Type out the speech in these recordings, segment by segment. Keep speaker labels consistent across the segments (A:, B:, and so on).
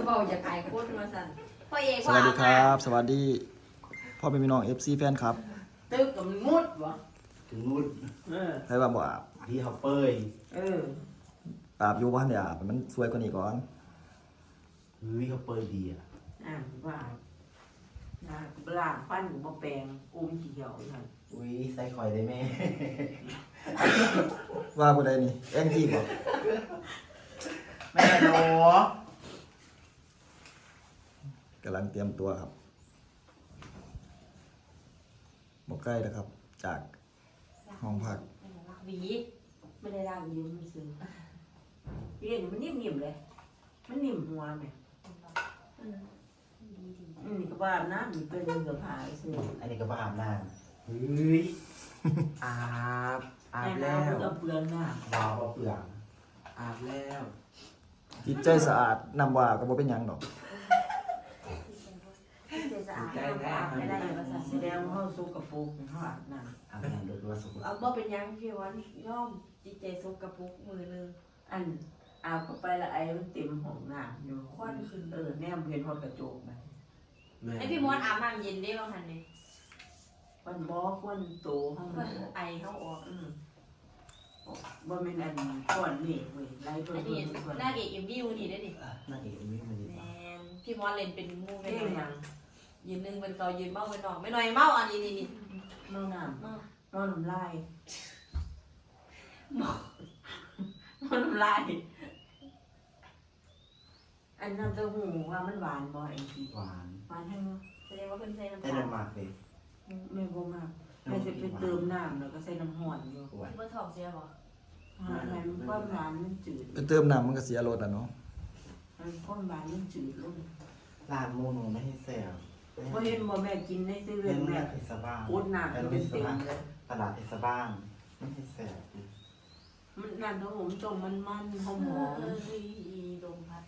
A: เบาจะขายโคตรมาสั่นพ่อเอก
B: สวัสดีครับสวัสดีพ่อเป็นพี่น้อง FC แฟนครับ
A: ตึกกับมันมุดวะ
C: ถึงนู้น
B: ใครว่าบ่อาบ
C: ที่เขาเปย
B: อาบอยู่บ้านเดี๋ยวอาบมันสวยกว่านี้ก่อน
C: เขาเปยดีอ่ะ
A: ว่าปลาฟันบ่แปลงอุ้มเขียวนั่น
C: ใส่ข่อยได้แม่
B: ว่าบ่ได้นี่แองจี้บ่
C: แม่โน
B: กำลังเตรียมตัวครับบ่ใกล้แล้วครับ จากห้องพัก
A: หวีไม่ได้ร่างยืมซื้อเรียนมันนิ่มๆเลยมันนิ่มหัวไหมก็ว่าน้ำมันเป็นเสือผาซื้อ
C: อันนี้ก็บ้าอาบน้ำอาบ
A: แล้
C: แล้ว ว
A: ก็เปลืองหน้า
C: วาวเปลืองอาบแล้ว
B: จิตใจสะอาดนำว่าก็บ่เป็นหยังดอก
A: สะอาดไม่ได้แสดงว่าเขาสุกกระปุกเขาอาบน้ำ
C: อาบน้ำโดยว่าสุข
D: เอาบ่เป็นยังพี่วันย่อมจิตใจสกปรกมือนึง
A: อันอาบเข้าไปแล้วไอ้มันเต็มห้องน้ำอยู่ควันขึ้นแนมเห็นพอกระจกไป
D: ไอพี่มดอาบน้ำเย็นได้บ้างทันเนี่ย
A: ควันบอกควันโตห้อง
D: เพื่อนไอเข้าออก
A: บ่เป็นอันก้อนเมฆเว้ยไล่ตัว
D: อัน
A: นี้
D: นี้หน้าเด็กเอ็มวิวนี่ได้ดิ
C: น่าเอกไม่มาดี
D: แมนพี่มดเล่นเป็นมู
A: เพ่
D: ไม่หน่อย
A: งยัง
D: ยืนหนึ่งเป็นเกายืนเมาเป็นหนองไม่หน่อยเมาอันนี้นี่
A: นอนน้ำนอนน้ำลายนอนน้ำลายอันน้ำเต้าหู้ว่ามันหวานบ่ไอ้ที
C: หวาน
A: หวานให้เนาะ
D: แสดงว่าเพิ่นใส่น้ำ
C: แต่
D: ตาล
C: น้ำหมักเลย
A: ไม่บ่มากแม่จะไปเติมน้ำแล้วก็ใส่น้ำห่อนอยู่
C: หวาน
D: เพิ่นท้องเสียบ่
A: หาให้มันความหวานมันจืด
B: ไปเติมน้ำมันก็เสียรสอ่ะเนาะ
A: มันความหวานมันจืดลง
C: ลาดมูนูไม่ให้แซว
A: พอเห็นบ่แม่กินในเซเว่
C: เป็น น
A: แม่
C: แม่เทศบาล
A: โคตรหนักเป็นเต็มเลย
C: ตลาดเทศบาลไม่ให้แซว
A: มันนั่นเนาะผมต้มมันหอม
D: ลมพัด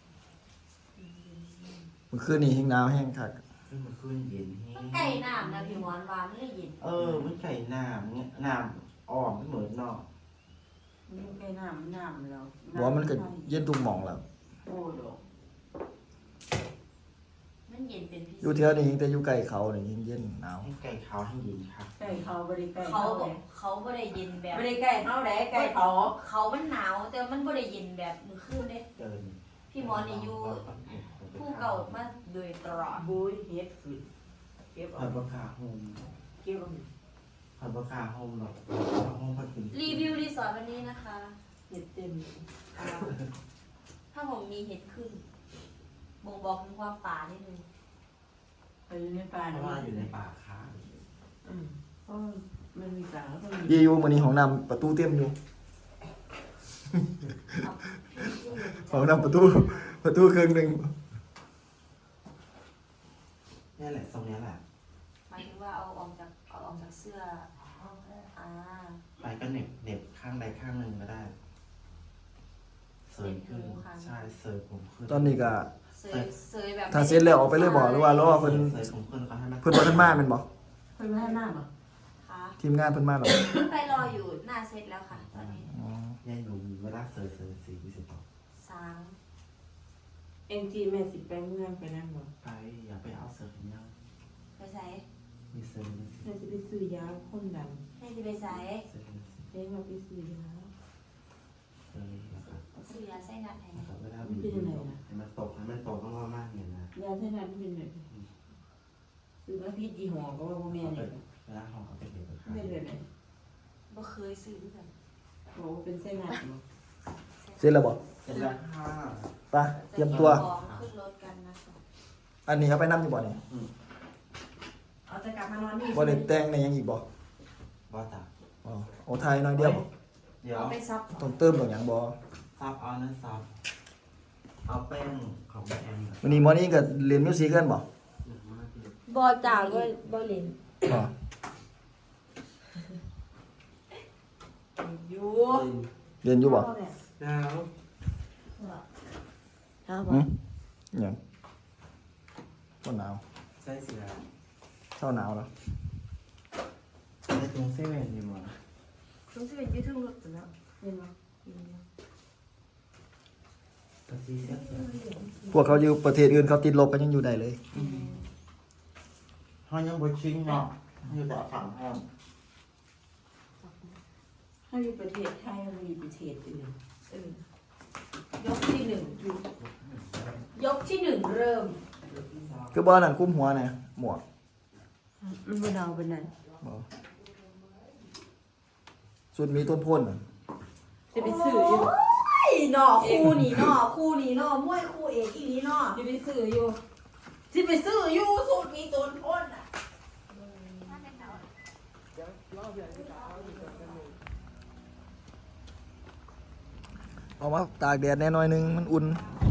B: เมื่อคืนนี้แห้งหนาวแห้งคัก
C: ขึ้นมาขึ้นเย็นแห้
D: มันไก่น้ำนะพี่มดวานไม่ได้ยิน
C: มันไก่น้ำเนี่ยน้ำอ่อมไม่เหมือนนอก
A: ๆมันแค่น้ำแล้ว
B: บ่ว่ามันก็เย็นทุกหม่องแล้ว
A: โอ้ดอก
D: มันเย็นเป็นพิ
B: อ
D: เศ
B: ยู่
D: ษ
B: เทื่อนี้แต่อยู่ใกล้เขานี่เย็นหนาว
C: ให้ไก่ขาวให้เย็นค่ะ
A: ไก่เขาบ่ได้ไก่
D: เขาบอกเขาไม่ได้เย็นแบบ
A: ไม่ได้ไก่เขาแหละไก่เขา
D: เขามันหนาวแต่มันไม่ได้เย็นแบบมือคืนเด้
C: เกิน
D: พี่มอนี่อยู่ผู้เก่ามาโดยตลอด
A: บุ้ยเฮ็ดขึ้นเก็บ
C: ผั
A: เอา
C: ดบะขาโฮม
A: เก็บเอา
C: ผัดบะขาโฮมหรอกโฮมผัดกิน
D: รีวิวรีสอร์ทวันนี้นะคะ
A: เฮ็ดเต็ม
D: ถ้าผมมีเห็ดขึ้นบ่งบอกถึงความป่านิดนึง
A: ไปอยู่ในป่า
C: เพราะว่าอยู่ในป่าค้า
A: เพราะมันมีป่าแล้วก็มี
B: ดีอยู่มื้อนี้ห้องน้ำประตูเต็มอยู่ ห้องน้ำประตูครึ่งหนึง
C: นี่แหละทรงนี้แหละ
D: หมายถึงว่าเอาออกจากเสื้ออ่า
C: ไปก็เหน็บข้างใดข้างหนึ่งก็ได้เสยขึ้นใช่เสยผมขึ้น
B: ตอนนี้ก็
D: เซยแบบ
B: ถ้าเสร็จแล้วออกไปเลยบ่หรือว่ารอเพิ่น
C: เสยผมขึ้นก็ให้มัน
B: เพิ่นบ่ทันมาแม่นบ่
A: เพิ่นไม่ให้น้ำบ่
D: ค่ะ
B: ทีมงานเพิ่นมาแล้ว
D: ไปรออยู่หน้าเซตแล้วค่ะตอนนี้
B: อ๋อ
C: ยัยหนุ่มเวลาเสยสี20ต่อ
D: สาง
A: เอ็งจีแม่สิไปเมืองไปนั่นบ่
C: ไปอย่าไปเอาเสยเนี้ย
D: ไปใส่
C: มีเสย
A: แม่สิไปซื้อยาคนดัน
D: ให้ที่ไปใส่
C: เสย
A: เด้มาไปซื้อยา
C: เสยนะครับ
D: ซื้อยาไส้นัดให้
C: นะครับเวลาบีบให้มันตกต้องว่ามากเนี่ยนะ
A: ยาเท่านั้นเป็นแบบซื้อมาพี่ยี่ห้อก็ว่าบ่แม่นเลย
C: เวลาห่อเอาไปเด็ดไปขาย
A: ไม่เลยไหน
D: บ่เคยซื้อกัน
A: โอ้เป็นเส้นหนักบ่
B: เสร็จแล้วบ่
C: เสร็จแล้วค่ะ
B: ไปเตรียมตัว
D: ของขึ้นรถกันนะคะ
B: อันนี้เอาไปนำอยู่บ่นี่
A: เอาจะกลับมานอนนี่
B: บ่ได้แต่งในหยังอีกบ่
C: ว่าจ้ะ
B: อ๋อโอ้ไทยน้อยเดียวบ่
C: เดี๋ยว
D: เอาไปซับ
B: ต้องเติมดอกหยังบ่
C: ซับเอานั้นซับเอาแป้งของแม่แอม
B: วันนี้มอร์นิ่งก็เรียนมิวสิกกันบ่
D: บอจ่าก็บอลิน
B: บ่
A: อยู่
B: เรียนอยู่บ่
C: แล้ว
D: ครับ
B: หึหยังบ่หนาว
C: ใส่เสื้อ
B: เช้าหนาวแล้ว
C: ในตรงเซเว่นอยู่มั้ง
D: ต้องสิเป็นยืดทึ่งรถแล้ว
A: เห็นบ่
B: ไป
C: กะซีเสียเสีย
B: พวกเขาอยู่ประเทศอื่นเขาติดลบกันยังอยู่ได้เลย
C: ห้องยังบ่ชิงเนาะอยู่แต่ฝั่งห้อง
A: ถ้าอยู่ประเทศไทยมันมีประเทศอื่น
D: ยกที่หนึ่งยกที่หนึ่งเริ่ม
B: คือบ่อนั่นคุ้มหัวน่ะหมวก
A: มันบ่เอาเป็นนั้น
B: บ่สุดมีต้นพ่นน่ะ
A: จะไปซื้ออยู่
D: ไอ้หน่อคู่นี่หน่อคู่นี่หน่อมวยคู่เอกอีนี้หน่อ
A: จะไปซื้ออยู่
D: ที่ไปซื้ออยู่สูตรมีต้นพ่นอ่ะ
B: เอามาตากแดดแน่หน่อยนึงมันอุ่น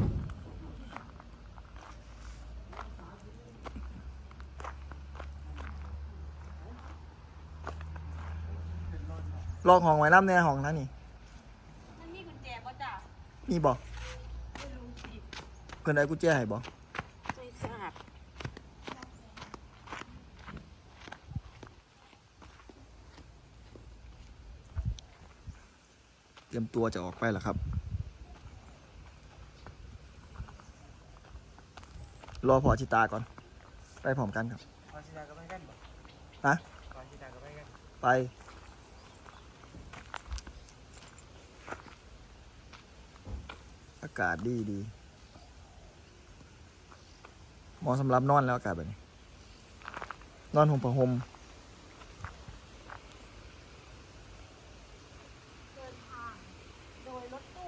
B: ลอกห้องไว้น้ำแน่ห้องนั้นนี่
D: มันมีกุญแจป่ะจ้ะ
B: มีบ่
D: ไม่รู้สิ
B: เพิ่นได้กุญแจให้บ่
D: ไม่ทราบ
B: เตรียมตัวจะออกไปแล้วครับ รอพอชิตาก่อน ไปพร้อมกันครับ
C: พอชิตาก็ไปกันบ่
B: ฮะ
C: พอชิตาก็ไปกัน
B: ไป อากาศดีดีเหมาะสำหรับนอนแล้วอากาศแบบนี้ นอนห่มผ้าห่ม
D: เดินทางโดยรถตู้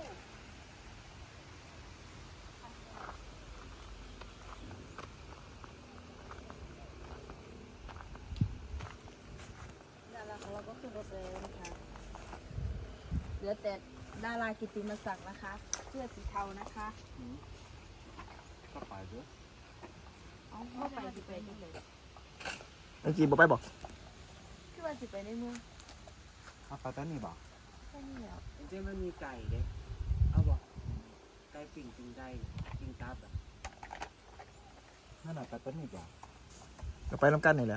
D: ดาราของเราก็ขึ้นรถแล้วนะคะเหลือแต่ดารากิตติมศักดิ์นะคะเสื้อสีเทานะคะ
C: ก็ไปด้วย
D: เอาเข้าไปสิไปที่ไหน
B: เมื่อกี้บอกไปบอก
D: คือว่าสิไปในเมือง
C: เอาไปตอนนี้บ่
D: แค่นี้แล้ว
E: เจ๊มันมีไก่เด้เอาบอกไก่ปิ่งปิ่งไก่ปิ่งตับอ่ะ
C: นั่นน่ะไปตอนนี้บ่
B: ก็ไปน้ำกันนี่แหละ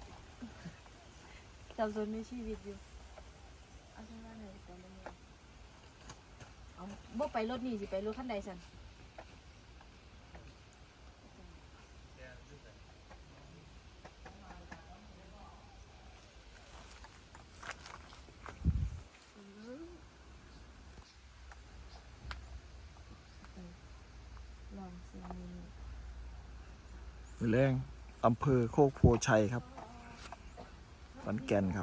D: สับสนในชีวิตอยู่เอาฉันว่าไหนไปในเมืองเอาบ่ไปรถนี่สิไปรถคันใดสันลองสิมี
B: มือแรงอำเภอโคกโพชัยครับขอนแก่นครับ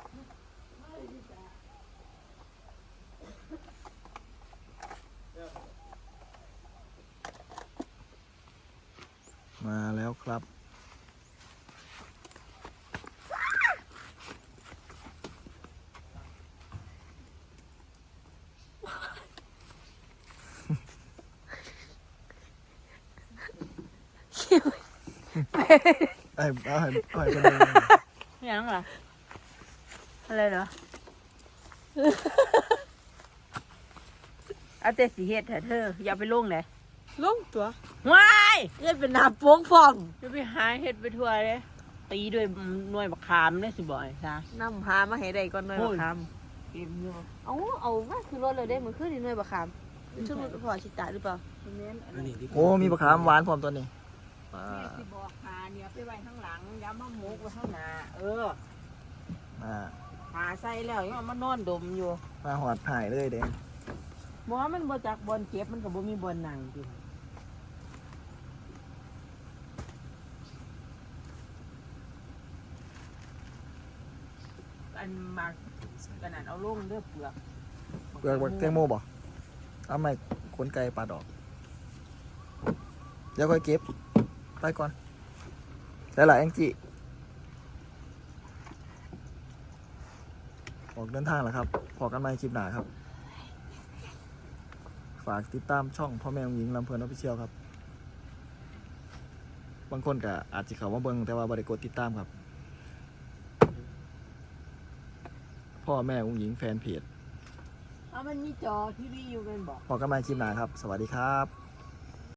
B: มาแล้วครับ เอาให้เป็นเลย
A: ยังล่ะอะไรเหรอเอาแต่สีเฮ็ดเถอะเธออย่าไปลงเลย
F: ลงตัว
A: ว้าย
F: เล่นเป็นน้ำโป้งพร้อม
A: จะไปหาเฮ็ดไปทั่วเลยตีด้วยหน่วยบักขามได้สิบ่อยซะ
F: น้ำพามาให้ได้ก่อนหน่อย
A: โอ้
F: บั
A: ย
F: กค
A: เก็บอยู่
F: ำเอามาคือรถเลยได้มือขึ้นในหน่วยบักคำชื่อรถพอชิตาหรือเปล่า
A: เน้นอัน
E: อัน
A: นี้
E: นี้ที่
B: โอ้มีมะขามหวานพร้อมตัวนี้ว้า
A: แม่สิบอกหาเนี่ยไปไว้ข้างหลังย้ำมาหมกไว้ข้างหน้า
B: มา
A: หาใส่แล้วยังเอามานอนดมอยู่
B: มาหอดหายเลยเด้
A: หมอมันบ่จักบอลเก็บมันก็บ่มีบอลนั่งอยู่อันมากขนาดเอาลงเด้อเปลือก
B: เปลือกบักแตงโมบ่เอาไม่ขนไก่ปาดออกเดี๋ยวค่อยเก็บ ไปก่อนแล้วล่ะแองจี้ออกเดินทางแล้วครับพอกันใหม่คลิปหน้าครับ ฝากติดตามช่องพ่อแม่หญิงลำเพลินออฟฟิเชียลครับ บางคนก็อาจจะเข้ามาเบิ่งแต่ว่าบ่ได้กดติดตามครับ พ่อแม่หญิงแฟนเพจ
A: เอามันมีจอทีวีอยู่เป็นบอก
B: พอกันใหม่คลิปหน้าครับ สวัสดีครับ